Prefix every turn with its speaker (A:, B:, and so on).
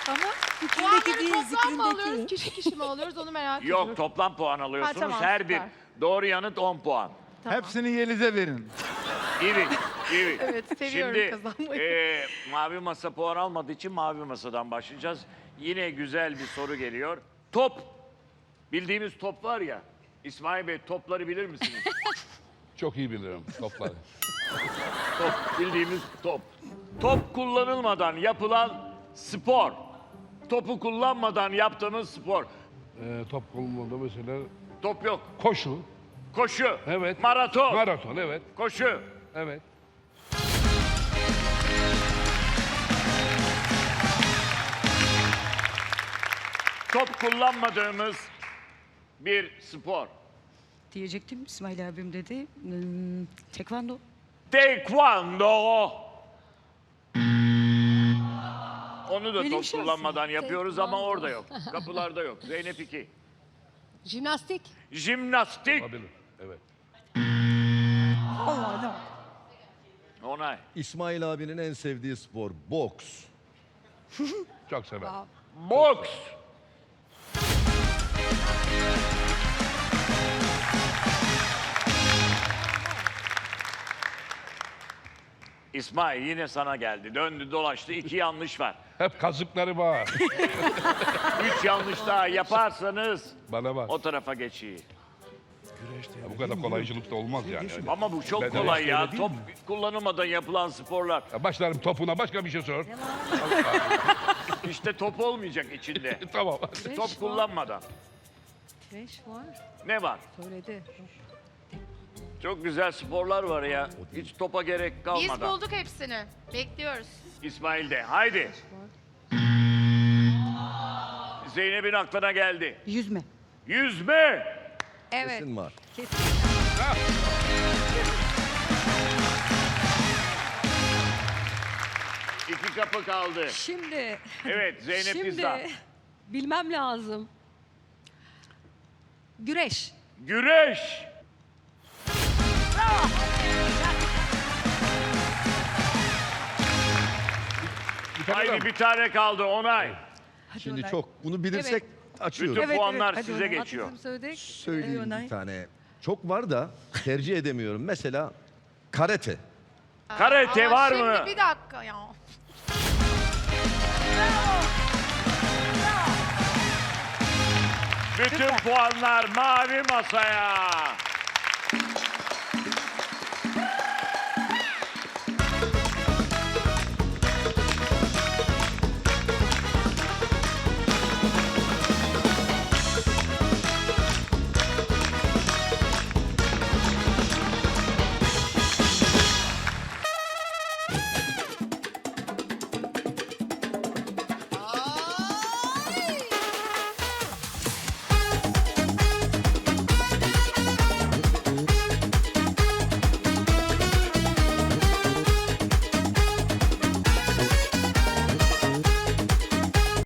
A: Ama
B: Puanları
A: fikrindeki değil,
B: toplam mı alıyoruz,
A: zikrindeki.
B: kişi kişi mi alıyoruz onu merak ediyorum.
C: Yok, toplam puan alıyorsunuz.
B: tamam,
C: Her bir
B: süper.
C: doğru yanıt 10 puan.
B: Tamam.
D: Hepsini Yeliz'e verin.
C: İyi, iyi.
B: Evet, seviyorum
C: Şimdi
B: kazanmayı.
C: mavi masa puan almadığı için mavi masadan başlayacağız. Yine güzel bir soru geliyor. Top. Bildiğimiz top var ya. İsmail Bey, topları bilir misiniz?
E: Çok iyi bilirim topları.
C: Top, bildiğimiz top. Top kullanılmadan yapılan spor. Topu kullanmadan yaptığımız spor.
E: Top kullanımında mesela
C: Top yok.
E: koşu.
C: Koşu.
E: Evet.
C: Maraton.
E: Maraton, evet.
C: Koşu.
E: Evet.
C: Top kullanmadığımız bir spor.
A: Diyecektim İsmail abim dedi. Tekvando.
C: Taekwondo. Onu da
A: Öyle bir
C: top
A: şey
C: kullanmadan
A: aslında.
C: yapıyoruz ama orada yok. Kapılarda yok. Zeynep 2.
B: Jimnastik.
C: Jimnastik.
E: Olabilir. Evet.
A: Allah no.
C: Onay.
F: İsmail abinin en sevdiği spor boks.
E: Çok sever.
C: Boks. İsmail yine sana geldi. Döndü dolaştı. 2 yanlış var.
E: Hep kazıkları var.
C: 3 yanlış daha yaparsanız
E: Bana bak.
C: o tarafa geçeyim.
E: Ya bu kadar kolaycılık da olmaz yani. Öyle.
C: Ama bu çok
E: Ben de
C: kolay ya.
E: öyle değil
C: Top kullanılmadan yapılan sporlar.
E: Ya başlarım topuna başka bir şey sor.
C: İşte top olmayacak içinde.
E: Tamam.
C: Top kullanmadan.
A: Trash var.
C: Ne var?
A: Söyledi.
C: Çok güzel sporlar var ya. Hiç topa gerek
B: Biz
C: kalmadan.
B: bulduk hepsini. Bekliyoruz.
C: İsmail de. Haydi. Zeynep'in aklına geldi.
A: Yüzme.
C: Yüzme.
B: Evet.
F: Kesin var.
A: Kesin.
C: İki kapı kaldı.
G: Şimdi,
C: Evet, Zeynep Pizza.
G: bilmem lazım. Güreş.
C: Güreş.
E: Bir tane
C: Haydi
E: daha mı?
C: bir tane kaldı. Onay.
F: Şimdi
A: Onay.
F: çok bunu bilirsek açıyoruz.
C: Bütün puanlar
A: Hadi
C: size
A: Onay.
C: geçiyor.
A: Atizm söyledik.
F: Söyleyeyim
A: Onay.
F: bir tane. Çok var da tercih edemiyorum. Mesela karate.
C: Karate
B: Ama
C: var
B: şimdi
C: mı?
B: bir dakika ya.
C: Bütün puanlar mavi masaya.